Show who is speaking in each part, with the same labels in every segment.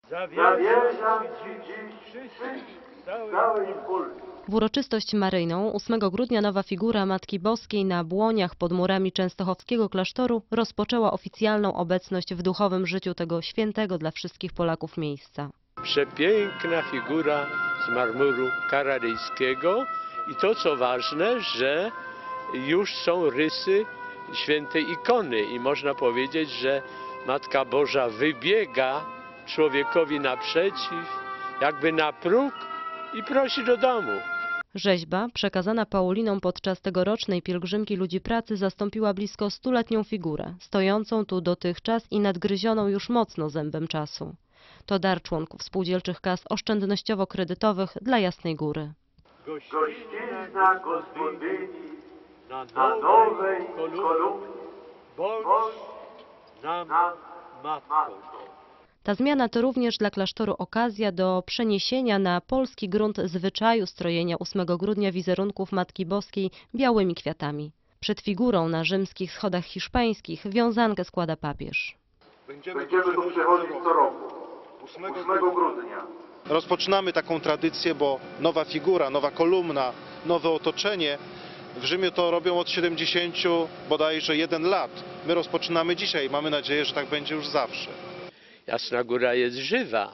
Speaker 1: Zawierzam Ci dziś całej Polski.
Speaker 2: W uroczystość maryjną 8 grudnia nowa figura Matki Boskiej na Błoniach pod murami częstochowskiego klasztoru rozpoczęła oficjalną obecność w duchowym życiu tego świętego dla wszystkich Polaków miejsca.
Speaker 3: Przepiękna figura z marmuru kararyjskiego i to co ważne, że już są rysy świętej ikony i można powiedzieć, że Matka Boża wybiega człowiekowi naprzeciw, jakby na próg i prosi do domu.
Speaker 2: Rzeźba, przekazana Pauliną podczas tegorocznej pielgrzymki ludzi pracy, zastąpiła blisko 100-letnią figurę, stojącą tu dotychczas i nadgryzioną już mocno zębem czasu. To dar członków spółdzielczych kas oszczędnościowo-kredytowych dla Jasnej Góry.
Speaker 1: Gościzna gospodyni na nowej kolumnie, bądź nam matką.
Speaker 2: Ta zmiana to również dla klasztoru okazja do przeniesienia na polski grunt zwyczaju strojenia 8 grudnia wizerunków Matki Boskiej białymi kwiatami. Przed figurą na rzymskich schodach hiszpańskich wiązankę składa papież.
Speaker 1: Będziemy tu przychodzić co roku, 8 grudnia.
Speaker 4: Rozpoczynamy taką tradycję, bo nowa figura, nowa kolumna, nowe otoczenie w Rzymie to robią od 70 bodajże 1 lat. My rozpoczynamy dzisiaj, mamy nadzieję, że tak będzie już zawsze.
Speaker 3: Jasna Góra jest żywa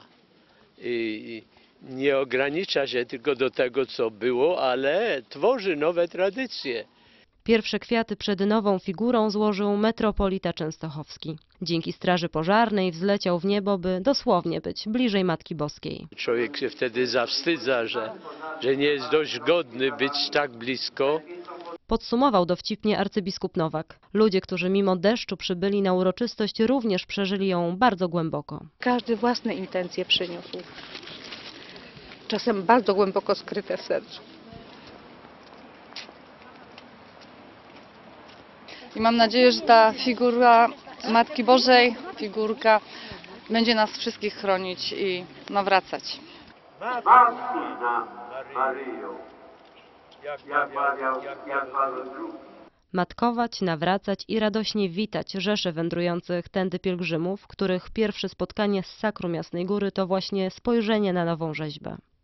Speaker 3: i nie ogranicza się tylko do tego, co było, ale tworzy nowe tradycje.
Speaker 2: Pierwsze kwiaty przed nową figurą złożył metropolita częstochowski. Dzięki straży pożarnej wzleciał w niebo, by dosłownie być bliżej Matki Boskiej.
Speaker 3: Człowiek się wtedy zawstydza, że nie jest dość godny być tak blisko.
Speaker 2: Podsumował dowcipnie arcybiskup Nowak. Ludzie, którzy mimo deszczu przybyli na uroczystość, również przeżyli ją bardzo głęboko.
Speaker 5: Każdy własne intencje przyniósł. Czasem bardzo głęboko skryte w sercu.
Speaker 6: I mam nadzieję, że ta figura Matki Bożej, figurka, będzie nas wszystkich chronić i nawracać.
Speaker 1: Matki nam, Maryjo, jak mawiał Jan Paweł II.
Speaker 2: Matkować, nawracać i radośnie witać rzesze wędrujących tędy pielgrzymów, których pierwsze spotkanie z sakrum Jasnej Góry to właśnie spojrzenie na nową rzeźbę.